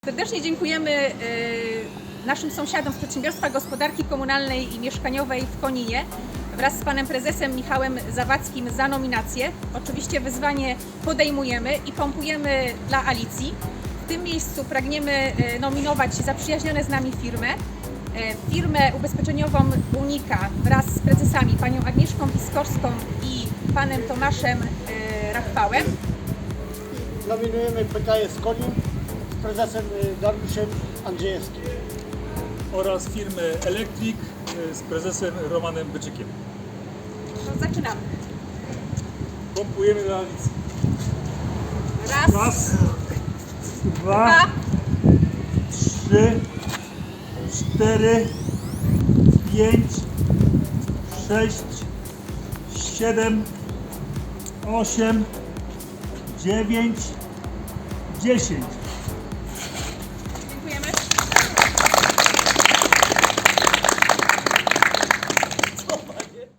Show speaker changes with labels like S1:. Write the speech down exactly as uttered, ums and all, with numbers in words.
S1: Serdecznie dziękujemy naszym sąsiadom z Przedsiębiorstwa Gospodarki Komunalnej i Mieszkaniowej w Koninie wraz z panem prezesem Michałem Zawadzkim za nominację. Oczywiście wyzwanie podejmujemy i pompujemy dla Alicji. W tym miejscu pragniemy nominować zaprzyjaźnione z nami firmę. Firmę ubezpieczeniową Unika wraz z prezesami panią Agnieszką Piskorską i panem Tomaszem Rachwałem.
S2: Nominujemy P K S Konin z prezesem Dariuszem Andrzejewskim.
S3: Oraz firmy Elektrik z prezesem Romanem Byczykiem.
S1: No, zaczynamy.
S3: Pompujemy na Alicji.
S1: Raz,
S3: Raz,
S1: dwa,
S3: dwa, trzy, cztery, pięć, sześć, siedem, osiem, dziewięć, dziesięć.